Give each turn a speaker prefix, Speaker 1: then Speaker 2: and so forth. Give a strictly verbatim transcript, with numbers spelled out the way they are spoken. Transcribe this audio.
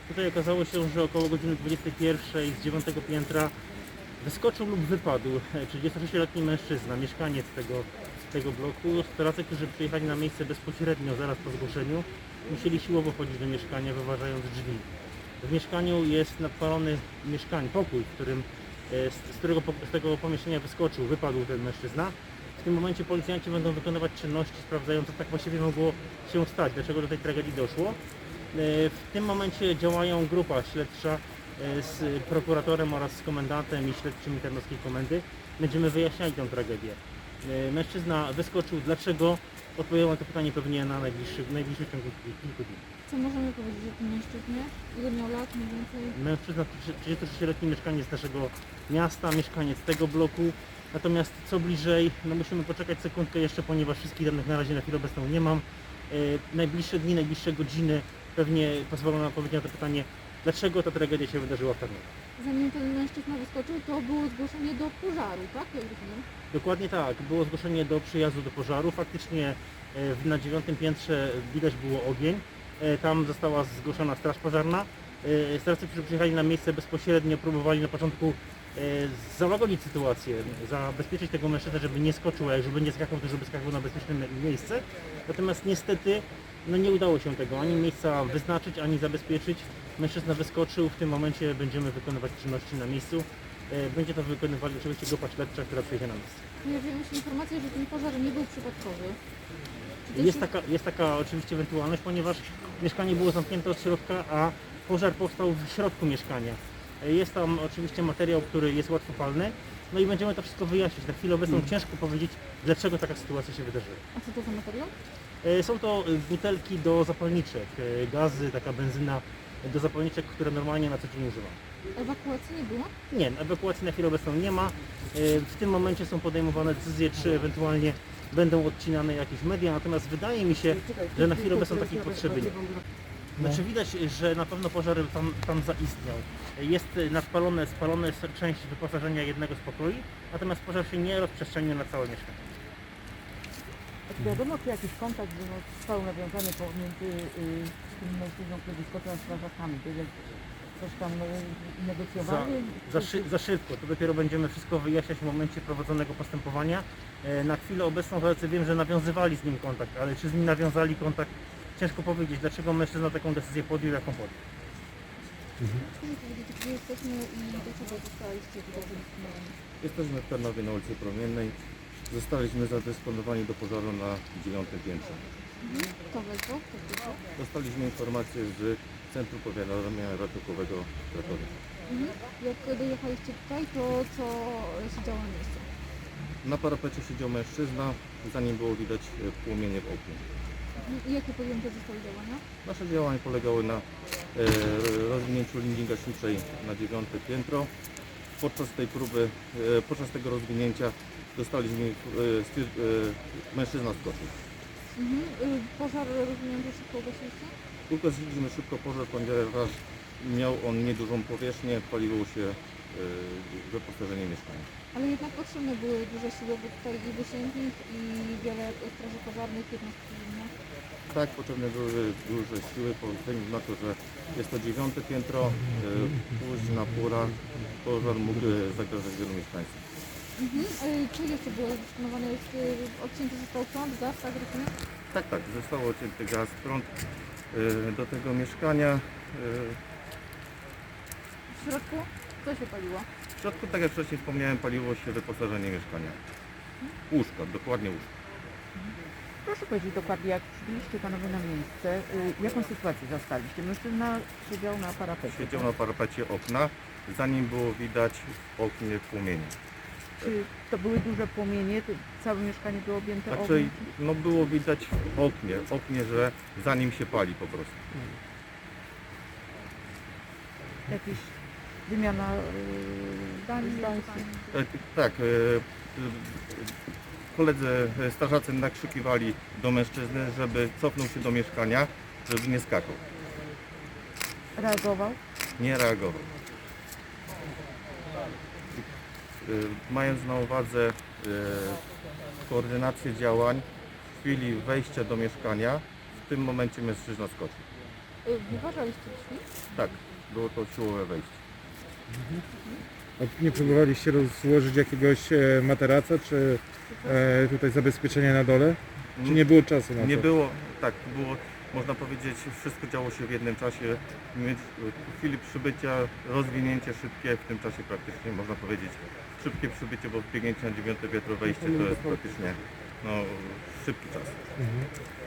Speaker 1: Tutaj okazało się, że około godziny dwudziestej pierwszej z dziewiątego piętra wyskoczył lub wypadł trzydziestosześcioletni mężczyzna, mieszkaniec tego, tego bloku. Strażacy, którzy przyjechali na miejsce bezpośrednio zaraz po zgłoszeniu, musieli siłowo wchodzić do mieszkania, wyważając drzwi. W mieszkaniu jest nadpalony mieszkań, pokój, w którym, e, z, z którego z tego pomieszczenia wyskoczył, wypadł ten mężczyzna. W tym momencie policjanci będą wykonywać czynności sprawdzające, co tak właściwie mogło się stać, dlaczego do tej tragedii doszło. W tym momencie działają grupa śledcza z prokuratorem oraz z komendantem i śledczymi Tarnowskiej Komendy. Będziemy wyjaśniali tę tragedię. Mężczyzna wyskoczył, dlaczego? Odpowiemy na to pytanie pewnie na najbliższy, w najbliższym ciągu kilku dni.
Speaker 2: Co możemy powiedzieć o tym mężczyźnie? Ile miał lat mniej więcej?
Speaker 1: Mężczyzna, trzydziestosześcioletni mieszkaniec naszego miasta, mieszkaniec tego bloku. Natomiast co bliżej, no musimy poczekać sekundkę jeszcze, ponieważ wszystkich danych na razie na chwilę obecną nie mam. E, najbliższe dni, najbliższe godziny pewnie pozwolą na odpowiedź na to pytanie, dlaczego ta tragedia się wydarzyła w Tarnowie.
Speaker 2: Zanim ten mężczyzna wyskoczył, to było zgłoszenie do pożaru, tak? Jak rozumiem?
Speaker 1: Dokładnie tak, było zgłoszenie do przyjazdu do pożaru. Faktycznie e, na dziewiątym piętrze widać było ogień. E, tam została zgłoszona straż pożarna. E, strażacy, którzy przyjechali na miejsce bezpośrednio, próbowali na początku e, załagodzić sytuację, zabezpieczyć tego mężczyznę, żeby nie skoczył, a jak żeby nie skakał, to żeby skakał na bezpieczne miejsce. Natomiast niestety no nie udało się tego ani miejsca wyznaczyć, ani zabezpieczyć. Mężczyzna wyskoczył, w tym momencie będziemy wykonywać czynności na miejscu. E, Będzie to wykonywali oczywiście grupa śledcza, która przyjedzie na miejsce.
Speaker 2: Pojawiły się informacje, że ten pożar nie był przypadkowy. Czy to
Speaker 1: Jest
Speaker 2: się-
Speaker 1: taka, jest taka oczywiście ewentualność, ponieważ mieszkanie było zamknięte od środka, a pożar powstał w środku mieszkania. E, Jest tam oczywiście materiał, który jest łatwopalny, no i będziemy to wszystko wyjaśnić. Na chwilę obecną ciężko powiedzieć, dlaczego taka sytuacja się wydarzyła.
Speaker 2: A co to za materiał?
Speaker 1: E, Są to e, butelki do zapalniczek, e, gazy, taka benzyna do zapalniczek, które normalnie na co dzień używam.
Speaker 2: Ewakuacji nie było?
Speaker 1: Nie, ewakuacji na chwilę obecną nie ma. E, W tym momencie są podejmowane decyzje, czy ewentualnie będą odcinane jakieś media, natomiast wydaje mi się, że na chwilę obecną takiej potrzeby nie ma. Znaczy widać, że na pewno pożar tam, tam zaistniał. Jest nadpalone, spalone część wyposażenia jednego z pokoi, natomiast pożar się nie rozprzestrzenił na całe mieszkanie.
Speaker 3: Czy wiadomo, czy jakiś kontakt został nawiązany pomiędzy y, tym mężczyzną, który wyskoczył, a strażakami? To jest coś tam y,
Speaker 1: Za,
Speaker 3: negocjowali?
Speaker 1: za,
Speaker 3: Czy-
Speaker 1: szy, za szybko, to dopiero będziemy wszystko wyjaśniać w momencie prowadzonego postępowania. E, Na chwilę obecną strażacy wiem, że nawiązywali z nim kontakt, ale czy z nim nawiązali kontakt, ciężko powiedzieć, dlaczego mężczyzna taką decyzję podjął, jaką podjął.
Speaker 2: Proszę powiedzieć, gdzie jesteśmy i dlaczego zostaliście tutaj zarejestrowani?
Speaker 4: Jesteśmy w Tarnowie na ulicy Promiennej. Zostaliśmy zadysponowani do pożaru na dziewiątym piętrze.
Speaker 2: Mhm. Kto wezwał? Kto wezwał?
Speaker 4: Dostaliśmy informację z Centrum Powiadamia Ratunkowego w Krakowie.
Speaker 2: Mhm. Jak dojechaliście tutaj, to co się działo na miejscu?
Speaker 4: Na parapecie siedział mężczyzna, za nim było widać e, płomienie w oknie.
Speaker 2: Mhm. I jakie podjęte zostały działania?
Speaker 4: Nasze działania polegały na e, rozwinięciu linii gaśniczej na dziewiąte piętro. Podczas tej próby, e, podczas tego rozwinięcia dostaliśmy, e, styr- e, mężczyzna skoczył.
Speaker 2: Mhm. Y, Pożar rozumiem, że szybko ugasiliście?
Speaker 4: Ugasiliśmy szybko pożar, ponieważ miał on niedużą powierzchnię, paliło się e, wyposażenie mieszkania.
Speaker 2: Ale jednak potrzebne były duże siły, bo tutaj i wysięgnik, i wiele straży pożarnych, jednostek innych.
Speaker 4: Tak, potrzebne były duże siły, ze względu na to, że jest to dziewiąte piętro, e, późna pora, pożar mógł e, zagrażać wielu mieszkańcom.
Speaker 2: Mhm. Y, Czy jeszcze było dysponowane, jest, y, odcięty został prąd, gaz, tak rozumiem?
Speaker 4: Tak, tak, zostało odcięty gaz, prąd e, do tego mieszkania. E,
Speaker 2: W środku co się paliło?
Speaker 4: w środku, tak jak wcześniej wspomniałem, paliło się wyposażenie mieszkania. Łóżka, dokładnie łóżka.
Speaker 3: Proszę powiedzieć dokładnie, jak przybyliście panowie na miejsce, y, jaką sytuację zastaliście? Mężczyzna siedział na parapecie.
Speaker 4: Siedział na parapecie okna, za nim było widać w oknie płomienie.
Speaker 3: Czy to były duże płomienie? To całe mieszkanie było objęte
Speaker 4: Znaczy,
Speaker 3: ogniem?
Speaker 4: no było widać w oknie, oknie, że za nim się pali po prostu.
Speaker 3: Jakiś wymiana y, zdań? zdań?
Speaker 4: Tak, tak. e, e, Koledzy e, strażacy nakrzykiwali do mężczyzny, żeby cofnął się do mieszkania, żeby nie skakał.
Speaker 3: Reagował?
Speaker 4: Nie reagował. E, Mając na uwadze e, koordynację działań w chwili wejścia do mieszkania, w tym momencie mężczyzna skoczył.
Speaker 2: Y, Wyważaliście drzwi?
Speaker 4: Tak, było to siłowe wejście.
Speaker 5: A nie próbowaliście rozłożyć jakiegoś e, materaca, czy e, tutaj zabezpieczenia na dole? Czy nie było czasu na to?
Speaker 4: Nie było, tak, było, można powiedzieć, wszystko działo się w jednym czasie. My w chwili przybycia, rozwinięcie szybkie, w tym czasie praktycznie można powiedzieć szybkie przybycie, bo biegnięcie na dziewiąte piętro wejście to jest praktycznie no, szybki czas.
Speaker 5: Mhm.